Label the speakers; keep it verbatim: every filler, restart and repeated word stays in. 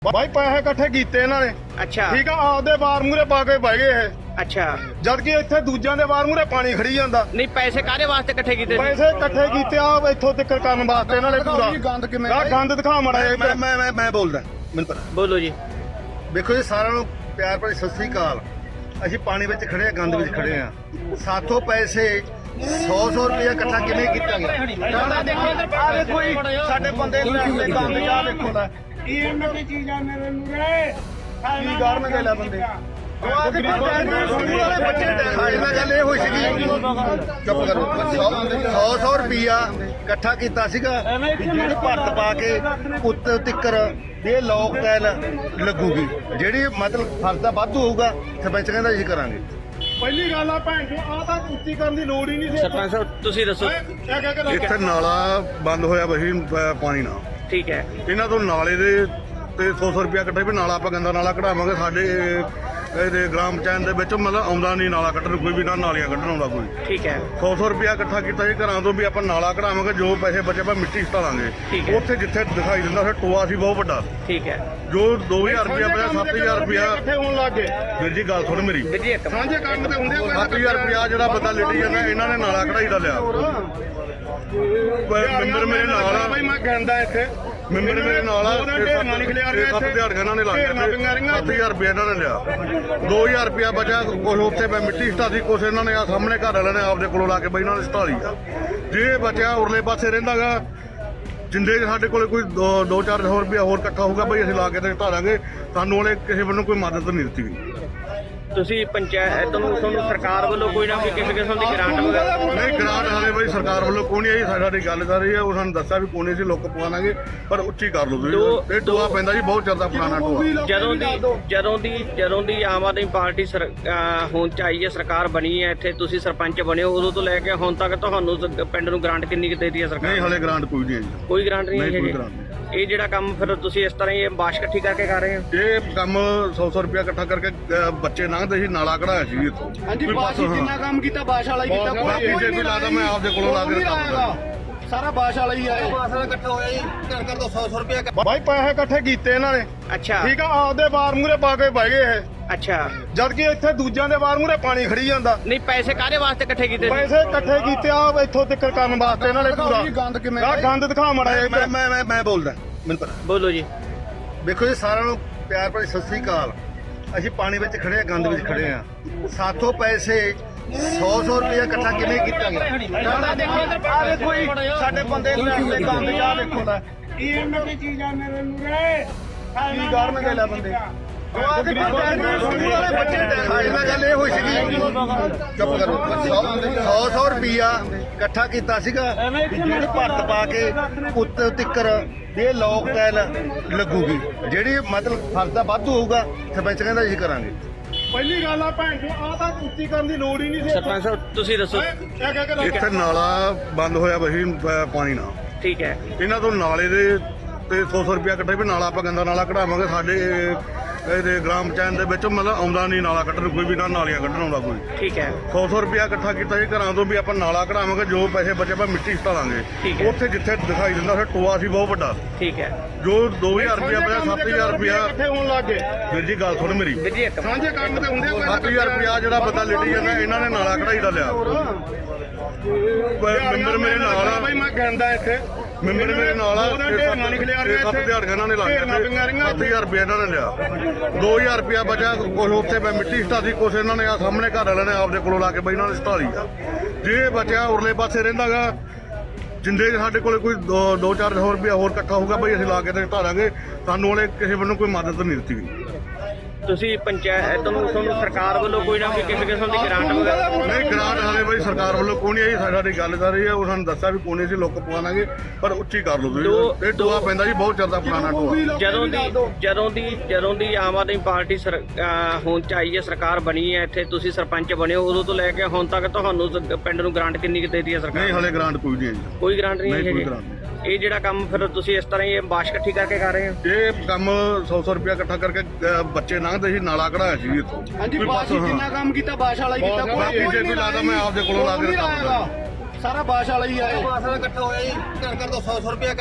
Speaker 1: भाई पैसे इकट्ठे कीते इन्हां ने।
Speaker 2: अच्छा
Speaker 1: ठीक है, आपदे बार मूहरे पा के बह गए ਇਹ।
Speaker 2: अच्छा
Speaker 1: ਜਦ ਕਿ ਇੱਥੇ ਦੂਜਿਆਂ ਦੇ ਬਾਰ ਮੂਹਰੇ ਪਾਣੀ ਖੜੀ ਜਾਂਦਾ।
Speaker 2: नहीं पैसे कारे वास्ते इकट्ठे कीते सी?
Speaker 1: ਪੈਸੇ ਇਕੱਠੇ ਕੀਤੇ ਆ ਇੱਥੋਂ ਤੱਕ ਕਰਨ ਵਾਸਤੇ ਇਹਨਾਂ ਨੇ ਪੂਰਾ
Speaker 3: ਗੰਦ ਕਿਵੇਂ
Speaker 1: ਆਹ ਗੰਦ ਦਿਖਾ ਮੜਾ
Speaker 3: ਮੈਂ ਮੈਂ ਮੈਂ ਮੈਂ ਬੋਲਦਾ ਮੈਨੂੰ ਪਤਾ।
Speaker 2: बोलो जी।
Speaker 3: ਵੇਖੋ ਜੀ ਸਾਰਿਆਂ ਨੂੰ ਪਿਆਰ ਭਰੀ ਸਤਿ ਸ੍ਰੀ ਅਕਾਲ। ਅਸੀਂ ਪਾਣੀ ਵਿੱਚ ਖੜੇ ਆ, ਗੰਦ ਵਿੱਚ ਖੜੇ ਆ। ਸਾਥੋਂ ਪੈਸੇ ਸੌ ਸੌ ਰੁਪਇਆ ਇਕੱਠਾ ਕਿਵੇਂ ਕੀਤਾ ਗਿਆ?
Speaker 1: ਆ ਦੇਖੋ ਜੀ ਸਾਡੇ ਬੰਦੇ ਨੂੰ ਰਸਤੇ ਗੰਦ ਜਾ ਦੇਖੋ ਲੈ
Speaker 4: ਕੀ ਇਹਨਾਂ ਦੀ ਚੀਜ਼ਾਂ ਮੇਰੇ ਮੂਰੇ
Speaker 1: ਕੀ ਕਰਨਗੇ ਲੈ ਬੰਦੇ।
Speaker 3: ਬੱਚੇ ਸਾਡੇ ਨਾਲ ਗੱਲ ਇਹ ਹੋਈ ਸੀਗੀ, ਚੁੱਪ ਕਰੋ। ਸੌ ਸੌ ਰੁਪਇਆ ਇਕੱਠਾ ਕੀਤਾ ਸੀਗਾ ਵੀ ਜਿਹੜੀ ਭਰਤ ਪਾ ਕੇ ਉੱਤੇ ਤਿੱਕਰ ਇਹ ਲੋਕ ਟੈਲ ਲੱਗੂਗੀ, ਜਿਹੜੀ ਮਤਲਬ ਫਰਦਾ ਵਾਧੂ ਹੋਊਗਾ ਸਰਪੰਚ ਕਹਿੰਦਾ ਅਸੀਂ ਕਰਾਂਗੇ।
Speaker 1: ਪਹਿਲੀ ਗੱਲ ਆ ਭੈਣ ਜੀ, ਆ ਤਾਂ ਉੱਚੀ ਕਰਨ ਦੀ ਲੋੜ ਹੀ ਨਹੀਂ ਸੀ।
Speaker 2: सरपंच साहब तुसी दसो।
Speaker 1: ਕਿਆ ਕਹਿ ਕੇ
Speaker 5: ਇੱਥੇ ਨਾਲਾ ਬੰਦ ਹੋਇਆ ਬਹੀ ਪਾਣੀ ਨਾਲ।
Speaker 2: ठीक है
Speaker 5: ਇਹਨਾਂ ਤੋਂ ਨਾਲੇ ਦੇ ਤੇ ਸੌ ਸੌ ਰੁਪਇਆ ਇਕੱਠੇ ਵੀ ਨਾਲਾ ਆਪਾਂ ਗੰਦਾ ਨਾਲਾ ਕਢਾਵਾਂਗੇ। ਸਾਡੇ ਇਹਦੇ ਗ੍ਰਾਮ ਪੰਚਾਇਤ ਦੇ ਵਿੱਚ ਮਤਲਬ ਆਉਂਦਾ ਨਹੀਂ ਨਾਲਾ ਕੱਢਣ ਕੋਈ ਵੀ, ਨਾ ਨਾਲੀਆਂ ਕੱਢਣ ਆਉਂਦਾ ਕੋਈ।
Speaker 2: ठीक है
Speaker 5: ਸੌ ਸੌ ਰੁਪਇਆ ਇਕੱਠਾ ਕੀਤਾ ਜੀ ਘਰਾਂ ਤੋਂ ਵੀ ਆਪਾਂ ਨਾਲਾ ਕਢਾਵਾਂਗੇ। ਜੋ ਪੈਸੇ ਬਚੇ ਆਪਾਂ ਮਿੱਟੀ
Speaker 2: ਠੀਕ
Speaker 5: ਸਟਾਲਾਂਗੇ।
Speaker 2: ਹੈ।
Speaker 5: ਉੱਥੇ ਜਿੱਥੇ ਦਿਖਾਈ ਦਿੰਦਾ ਫਿਰ ਟੋਆ ਸੀ ਬਹੁਤ ਵੱਡਾ,
Speaker 2: ठीक है
Speaker 5: ਜੋ ਦੋ ਹਜ਼ਾਰ ਰੁਪਇਆ ਪਿਆ ਸੱਤ ਹਜ਼ਾਰ ਰੁਪਇਆ।
Speaker 1: ਇਕੱਠੇ ਹੋਣ ਲੱਗ ਗਏ।
Speaker 5: ਵੀਰ ਜੀ ਗੱਲ ਸੁਣ ਮੇਰੀ,
Speaker 2: ਵੀਰ जी एक
Speaker 1: ਸਾਂਝੇ ਕੰਮ ਤੇ ਹੁੰਦੇ ਆ
Speaker 5: ਸੱਤ ਹਜ਼ਾਰ ਰੁਪਇਆ ਜਿਹੜਾ ਬੰਦਾ ਲਿਟੀ ਜਾਂਦਾ ਇਹਨਾਂ ਨੇ ਨਾਲਾ ਕਢਾਈ ਦਾ ਲਿਆ। ਮੈਂਬਰ ਮੇਰੇ ਨਾਲ ਆ,
Speaker 1: ਬਈ ਮੈਂ ਕਹਿੰਦਾ ਇੱਥੇ
Speaker 5: ਮੈਂਬਰ ਮੇਰੇ ਨਾਲ ਆ।
Speaker 1: ਉਹਦਾ ਢੇਰ ਨਾਲ ਨਿਕਲਿਆ ਆ ਰਿਹਾ
Speaker 5: ਸੱਤ
Speaker 1: ਇੱਥੇ।
Speaker 5: ਦਿਹਾੜੀਆਂ ਇਹਨਾਂ ਨੇ ਲਾ
Speaker 1: ਢੇਰ ਨਾਲ
Speaker 5: ਦਿੱਤੇ,
Speaker 1: ਪਈਆਂ ਰਹੀਆਂ।
Speaker 5: ਸੱਤ ਹਜ਼ਾਰ ਰੁਪਇਆ ਇਹਨਾਂ ਨੇ ਲਿਆ। ਦੋ ਹਜ਼ਾਰ ਰੁਪਇਆ ਬਚਿਆ ਕੁਛ ਉੱਥੇ ਮੈਂ ਮਿੱਟੀ ਸਟਾਦੀ, ਕੁਛ ਇਹਨਾਂ ਨੇ ਆ ਸਾਹਮਣੇ ਘਰ ਵਾਲਿਆਂ ਨੇ ਆਪਦੇ ਕੋਲੋਂ ਲਾ ਕੇ ਬਈ ਇਹਨਾਂ ਨੇ ਸਟਾ ਲਈ ਆ। ਜੇ ਬਚਿਆ ਉਰਲੇ ਪਾਸੇ ਰਹਿੰਦਾਗਾ ਜਿੰਦੇ ਸਾਡੇ ਕੋਲੇ ਕੋਈ ਦੋ- ਦੋ ਚਾਰ ਸੌ ਰੁਪਇਆ ਹੋਰ ਇਕੱਠਾ ਹੋਊਗਾ ਬਈ ਅਸੀਂ ਲਾ ਕੇ ਤੇ ਢਾਲਾਂਗੇ। ਸਾਨੂੰ ਉਹਨੇ ਕਿਸੇ ਵੱਲੋਂ ਕੋਈ ਮਦਦ ਨਹੀਂ ਦਿੱਤੀ ਗਈ।
Speaker 2: तुसी पंचायत ਤੁਹਾਨੂੰ ਤੁਹਾਨੂੰ ਸਰਕਾਰ ਵੱਲੋਂ ਕੋਈ ਨਾ ਕੋਈ ਕਿਸੇ ਕਿਸਮ ਦੀ ਗ੍ਰਾਂਟ ਵਗੈਰਾ?
Speaker 5: ਨਹੀਂ ਗ੍ਰਾਂਟ ਹਾਲੇ ਬਈ ਸਰਕਾਰ ਵੱਲੋਂ ਕੋਈ ਨਹੀਂ ਆਈ। ਸਾਡੀ ਗੱਲ ਕਰ ਰਹੀ ਹੈ, ਉਹ ਸਾਨੂੰ ਦੱਸਿਆ ਵੀ ਕੋਈ ਨਹੀਂ ਸੀ, ਲੋਕ ਪਵਾਵਾਂਗੇ ਪਰ ਉੱਚੀ ਕਰ ਲਓ ਤੁਸੀਂ।
Speaker 2: ਦੋ-
Speaker 5: ਇਹ ਟੋਆ ਪੈਂਦਾ ਜੀ ਬਹੁਤ ਜ਼ਿਆਦਾ ਪੁਰਾਣਾ ਟੋਆ।
Speaker 2: ਜਦੋਂ ਦੀ ਜਦੋਂ ਦੀ ਜਦੋਂ ਦੀ ਆਮ ਆਦਮੀ ਪਾਰਟੀ ਸਰ- ਅਹ ਹੁਣ ਚ ਆਈ ਹੈ, ਸਰਕਾਰ ਬਣੀ ਹੈ, ਇੱਥੇ ਤੁਸੀਂ ਸਰਪੰਚ ਬਣੇ ਹੋ, ਉਦੋਂ ਤੋਂ ਲੈ ਕੇ ਹੁਣ ਤੱਕ ਤੁਹਾਨੂੰ ਸ- ਪਿੰਡ ਨੂੰ ਗ੍ਰਾਂਟ ਕਿੰਨੀ ਕੁ ਦੇ ਦਿੱਤੀ ਹੈ
Speaker 5: ਨਹੀਂ
Speaker 2: ਸਰਕਾਰ?
Speaker 5: ਹਲੇ ਗ੍ਰਾਂਟ ਕੋਈ ਨਹੀਂ ਆਈ।
Speaker 2: ਕੋਈ ਗ੍ਰਾਂਟ ਨਹੀਂ
Speaker 5: ਨਹੀਂ,
Speaker 2: ਹੈ
Speaker 5: ਕੋਈ
Speaker 2: ਜੀ।
Speaker 5: ਗ੍ਰਾਂਟ ਨਹੀਂ।
Speaker 2: ਇਹ ਜਿਹੜਾ ਕੰਮ ਫਿਰ ਤੁਸੀਂ ਇਸ ਤਰ੍ਹਾਂ ਹੀ ਇਹ ਬਾਸ਼ ਇਕੱਠੀ ਕਰਕੇ ਕਰ ਰਹੇ ਹੋ?
Speaker 5: ਇਹ ਕੰਮ ਸੌ ਸੌ ਰੁਪਇਆ ਇਕੱਠਾ ਕਰਕੇ ਅਹ, ਬੱਚੇ ਲੰਘਦੇ ਸੀ, ਨਾਲਾ ਕਢਾਇਆ ਸੀ ਇੱਥੋਂ।
Speaker 3: ਹਾਂਜੀ
Speaker 5: ਕੋਈ
Speaker 3: ਬਾਸ਼ ਹੀ
Speaker 5: ਪਾਸੋਂ,
Speaker 3: ਜਿੰਨਾ ਕੰਮ ਕੀਤਾ ਬਾਸ਼ ਵਾਲਾ ਹੀ ਕੀਤਾ।
Speaker 5: ਬਾਕੀ ਜੇ ਕੋਈ ਲਾਦਾ ਮੈਂ ਆਪਦੇ ਕੋਲੋਂ ਲਾ ਕੇ
Speaker 3: ਕੋਈ ਨਹੀਂ
Speaker 5: ਕੰਮ
Speaker 3: ਲਾਏਗਾ। ਸਾਰਾ ਬਾਸ਼ ਵਾਲਾ ਹੀ ਆਇਆ। ਬਾਸ਼ ਵਾਲਾ ਇਕੱਠਾ ਹੋਇਆ ਜੀ, ਕਰ ਕਰ ਦੋ ਸੌ ਸੌ ਰੁਪਇਆ।
Speaker 1: ਭਾਈ ਪੈਸੇ ਇਕੱਠੇ ਕੀਤੇ ਇਹਨਾਂ ਨੇ।
Speaker 2: ਅੱਛਾ
Speaker 1: ਠੀਕ ਆ, ਆਪਦੇ ਬਾਰ ਮੂਹਰੇ ਪਾ ਕੇ ਬਹ ਗਏ ਇਹ।
Speaker 2: ਅੱਛਾ
Speaker 1: ਜਦ ਕਿ ਇੱਥੇ ਦੂਜਿਆਂ ਦੇ ਬਾਰ ਮੂਹਰੇ ਪਾਣੀ ਖੜੀ ਜਾਂਦਾ।
Speaker 2: ਨਹੀਂ ਪੈਸੇ ਕਾਰੇ ਵਾਸਤੇ ਇਕੱਠੇ ਕੀਤੇ ਸੀ?
Speaker 1: ਪੈਸੇ ਇਕੱਠੇ ਕੀਤੇ ਆ ਇੱਥੋਂ ਤੱਕ ਕਰਨ ਵਾਸਤੇ ਇਹਨਾਂ ਨੇ ਪੂਰਾ
Speaker 3: ਗੰਦ ਕਿਵੇਂ
Speaker 1: ਆਹ ਗੰਦ ਦਿਖਾ ਮੜਾ
Speaker 3: ਮੈਂ ਮੈਂ ਮੈਂ ਮੈਂ ਬੋਲਦਾ ਮੈਨੂੰ ਪਤਾ।
Speaker 2: बोलो जी।
Speaker 3: ਵੇਖੋ ਜੀ ਸਾਰਿਆਂ ਨੂੰ ਪਿਆਰ ਭਰੀ ਸਤਿ ਸ੍ਰੀ ਅਕਾਲ। ਅਸੀਂ ਪਾਣੀ ਵਿੱਚ ਖੜੇ ਆ, ਗੰਦ ਵਿੱਚ ਖੜੇ ਆ। ਸਾਥੋਂ ਪੈਸੇ ਸੌ ਸੌ ਰੁਪਇਆ ਇਕੱਠਾ ਕਿਵੇਂ ਕੀਤਾ ਗਿਆ?
Speaker 1: ਆ ਦੇਖੋ ਜੀ ਸਾਡੇ ਬੰਦੇ ਨੂੰ ਰਸਤੇ ਗੰਦ ਜਾ ਦੇਖੋ ਲੈ
Speaker 4: ਕੀ ਇਹਨਾਂ ਦੀ ਚੀਜ਼ਾਂ ਮੇਰੇ ਮੂਰੇ
Speaker 1: ਕੀ ਕਰਨਗੇ ਲੈ ਬੰਦੇ।
Speaker 3: ਬੱਚੇ ਸਾਡੇ ਨਾਲ ਗੱਲ ਇਹ ਹੋਈ ਸੀਗੀ, ਚੁੱਪ ਕਰੋ। ਸੌ ਸੌ ਰੁਪਇਆ ਇਕੱਠਾ ਕੀਤਾ ਸੀਗਾ ਵੀ ਜਿਹੜੀ ਭਰਤ ਪਾ ਕੇ ਉੱਤੇ ਤਿੱਕਰ ਇਹ ਲੋਕ ਟੈਲ ਲੱਗੂਗੀ, ਜਿਹੜੀ ਮਤਲਬ ਫਰਦਾ ਵਾਧੂ ਹੋਊਗਾ ਸਰਪੰਚ ਕਹਿੰਦਾ ਅਸੀਂ ਕਰਾਂਗੇ।
Speaker 1: ਪਹਿਲੀ ਗੱਲ ਆ ਭੈਣ ਜੀ, ਆ ਤਾਂ ਉੱਚੀ ਕਰਨ ਦੀ ਲੋੜ ਹੀ ਨਹੀਂ ਸੀ।
Speaker 2: ਸਰਪੰਚ ਸਾਹਿਬ ਤੁਸੀਂ ਦੱਸੋ।
Speaker 1: ਕਿਆ ਕਹਿ ਕੇ
Speaker 5: ਇੱਥੇ ਨਾਲਾ ਬੰਦ ਹੋਇਆ ਬਹੀ ਪਾਣੀ ਨਾਲ।
Speaker 2: ਠੀਕ ਹੈ
Speaker 5: ਇਹਨਾਂ ਤੋਂ ਨਾਲੇ ਦੇ ਤੇ ਸੌ ਸੌ ਰੁਪਇਆ ਇਕੱਠੇ ਵੀ ਨਾਲਾ ਆਪਾਂ ਗੰਦਾ ਨਾਲਾ ਕਢਾਵਾਂਗੇ। ਸਾਡੇ ਇਹਦੇ ਗ੍ਰਾਮ ਪੰਚਾਇਤ ਦੇ ਵਿੱਚ ਮਤਲਬ ਆਉਂਦਾ ਨਹੀਂ ਨਾਲਾ ਕੱਢਣ ਕੋਈ ਵੀ, ਨਾ ਨਾਲੀਆਂ ਕੱਢਣ ਆਉਂਦਾ ਕੋਈ।
Speaker 2: ਠੀਕ ਹੈ
Speaker 5: ਸੌ ਸੌ ਰੁਪਇਆ ਇਕੱਠਾ ਕੀਤਾ ਜੀ ਘਰਾਂ ਤੋਂ ਵੀ ਆਪਾਂ ਨਾਲਾ ਕਢਾਵਾਂਗੇ। ਜੋ ਪੈਸੇ ਬਚੇ ਆਪਾਂ ਮਿੱਟੀ ਸਟਾਲਾਂਗੇ।
Speaker 2: ਠੀਕ ਹੈ।
Speaker 5: ਉੱਥੇ ਜਿੱਥੇ ਦਿਖਾਈ ਦਿੰਦਾ ਫਿਰ ਟੋਆ ਸੀ ਬਹੁਤ ਵੱਡਾ,
Speaker 2: ਠੀਕ ਹੈ
Speaker 5: ਜੋ ਦੋ ਹਜ਼ਾਰ ਰੁਪਇਆ ਪਿਆ ਸੱਤ ਹਜ਼ਾਰ ਰੁਪਇਆ।
Speaker 1: ਇਕੱਠੇ ਹੋਣ ਲੱਗ ਗਏ।
Speaker 5: ਵੀਰ ਜੀ ਗੱਲ ਸੁਣ ਮੇਰੀ,
Speaker 2: ਵੀਰ ਜੀ ਇੱਕ
Speaker 1: ਸਾਂਝੇ ਕੰਮ ਤੇ ਹੁੰਦੇ ਆ
Speaker 5: ਸੱਤ ਹਜ਼ਾਰ ਰੁਪਇਆ ਜਿਹੜਾ ਬੰਦਾ ਲਿਟੀ ਜਾਂਦਾ ਇਹਨਾਂ ਨੇ ਨਾਲਾ ਕਢਾਈ ਦਾ ਲਿਆ। ਮੈਂਬਰ ਮੇਰੇ ਨਾਲ ਆ,
Speaker 1: ਬਈ ਮੈਂ ਕਹਿੰਦਾ ਇੱਥੇ
Speaker 5: ਮੈਂਬਰ ਮੇਰੇ ਨਾਲ ਆ।
Speaker 1: ਉਹਦਾ ਢੇਰ ਨਾਲ ਨਿਕਲਿਆ ਆ ਰਿਹਾ
Speaker 5: ਸੱਤ
Speaker 1: ਇੱਥੇ।
Speaker 5: ਦਿਹਾੜੀਆਂ ਇਹਨਾਂ ਨੇ ਲਾ
Speaker 1: ਢੇਰ ਨਾਲ
Speaker 5: ਦਿੱਤੇ,
Speaker 1: ਪਈਆਂ ਰਹੀਆਂ।
Speaker 5: ਸੱਤ ਹਜ਼ਾਰ ਰੁਪਇਆ ਇਹਨਾਂ ਨੇ ਲਿਆ। ਦੋ ਹਜ਼ਾਰ ਰੁਪਇਆ ਬਚਿਆ ਕੁਛ ਉੱਥੇ ਮੈਂ ਮਿੱਟੀ ਸਟਾਦੀ, ਕੁਛ ਇਹਨਾਂ ਨੇ ਆ ਸਾਹਮਣੇ ਘਰ ਵਾਲਿਆਂ ਨੇ ਆਪਦੇ ਕੋਲੋਂ ਲਾ ਕੇ ਬਈ ਇਹਨਾਂ ਨੇ ਸਟਾ ਲਈ ਆ। ਜੇ ਬਚਿਆ ਉਰਲੇ ਪਾਸੇ ਰਹਿੰਦਾਗਾ ਜਿੰਦੇ ਸਾਡੇ ਕੋਲੇ ਕੋਈ ਦੋ- ਦੋ ਚਾਰ ਸੌ ਰੁਪਇਆ ਹੋਰ ਇਕੱਠਾ ਹੋਊਗਾ ਬਈ ਅਸੀਂ ਲਾ ਕੇ ਤੇ ਢਾਲਾਂਗੇ। ਸਾਨੂੰ ਉਹਨੇ ਕਿਸੇ ਵੱਲੋਂ ਕੋਈ ਮਦਦ ਨਹੀਂ ਦਿੱਤੀ ਗਈ।
Speaker 2: ਤੁਸੀਂ ਪੰਚਾਇਤ ਤੁਹਾਨੂੰ ਤੁਹਾਨੂੰ ਸਰਕਾਰ ਵੱਲੋਂ ਕੋਈ ਨਾ ਕੋਈ ਕਿਸੇ ਕਿਸਮ ਦੀ ਗ੍ਰਾਂਟ ਵਗੈਰਾ?
Speaker 5: ਨਹੀਂ ਗ੍ਰਾਂਟ ਹਾਲੇ ਬਈ ਸਰਕਾਰ ਵੱਲੋਂ ਕੋਈ ਨਹੀਂ ਆਈ। ਸਾਡੀ ਗੱਲ ਕਰ ਰਹੀ ਹੈ, ਉਹ ਸਾਨੂੰ ਦੱਸਿਆ ਵੀ ਕੋਈ ਨਹੀਂ ਸੀ, ਲੋਕ ਪਵਾਵਾਂਗੇ ਪਰ ਉੱਚੀ ਕਰ ਲਓ
Speaker 2: ਦੋ-
Speaker 5: ਤੁਸੀਂ। ਇਹ ਟੋਆ ਪੈਂਦਾ ਜੀ ਬਹੁਤ ਜ਼ਿਆਦਾ ਪੁਰਾਣਾ ਟੋਆ।
Speaker 2: ਜਦੋਂ ਦੀ ਜਦੋਂ ਦੀ ਜਦੋਂ ਦੀ ਆਮ ਆਦਮੀ ਪਾਰਟੀ ਸਰ- ਅਹ ਹੁਣ ਚ ਆਈ ਹੈ, ਸਰਕਾਰ ਬਣੀ ਹੈ, ਇੱਥੇ ਤੁਸੀਂ ਸਰਪੰਚ ਬਣੇ ਹੋ, ਉਦੋਂ ਤੋਂ ਲੈ ਕੇ ਹੁਣ ਤੱਕ ਤੁਹਾਨੂੰ ਸ- ਪਿੰਡ ਨੂੰ ਗ੍ਰਾਂਟ ਕਿੰਨੀ ਕੁ ਦੇ ਦਿੱਤੀ ਹੈ
Speaker 5: ਨਹੀਂ
Speaker 2: ਸਰਕਾਰ?
Speaker 5: ਹਲੇ ਗ੍ਰਾਂਟ ਕੋਈ ਨਹੀਂ ਆਈ।
Speaker 2: ਕੋਈ ਗ੍ਰਾਂਟ ਨਹੀਂ
Speaker 5: ਨਹੀਂ,
Speaker 2: ਹੈ
Speaker 5: ਕੋਈ
Speaker 2: ਜੀ।
Speaker 5: ਗ੍ਰਾਂਟ ਨਹੀਂ।
Speaker 2: ਇਹ ਜਿਹੜਾ ਕੰਮ ਫਿਰ ਤੁਸੀਂ ਇਸ ਤਰ੍ਹਾਂ ਹੀ ਇਹ ਬਾਸ਼ ਇਕੱਠੀ ਕਰਕੇ ਕਰ ਰਹੇ ਹੋ?
Speaker 5: ਇਹ ਕੰਮ ਸੌ ਸੌ ਰੁਪਇਆ ਇਕੱਠਾ ਕਰਕੇ ਅਹ, ਬੱਚੇ ਲੰਘਦੇ ਸੀ, ਨਾਲਾ ਕਢਾਇਆ ਸੀ ਇੱਥੋਂ।
Speaker 3: ਹਾਂਜੀ
Speaker 5: ਕੋਈ
Speaker 3: ਬਾਸ਼ ਹੀ
Speaker 5: ਪਾਸੋਂ,
Speaker 3: ਜਿੰਨਾ ਕੰਮ ਕੀਤਾ ਬਾਸ਼ ਵਾਲਾ ਹੀ ਕੀਤਾ।
Speaker 5: ਬਾਕੀ ਜੇ ਕੋਈ ਲਾਦਾ ਮੈਂ ਆਪਦੇ ਕੋਲੋਂ ਲਾ ਕੇ ਕੰਮ ਕਰਾਂਗਾ।
Speaker 3: ਸਾਰਾ ਬਾਸ਼ ਵਾਲਾ ਹੀ ਆਇਆ। ਬਾਸ਼ ਵਾਲਾ ਇਕੱਠਾ ਹੋਇਆ ਜੀ, ਕਰ ਕਰ ਦੋ ਸੌ ਸੌ ਰੁਪਇਆ।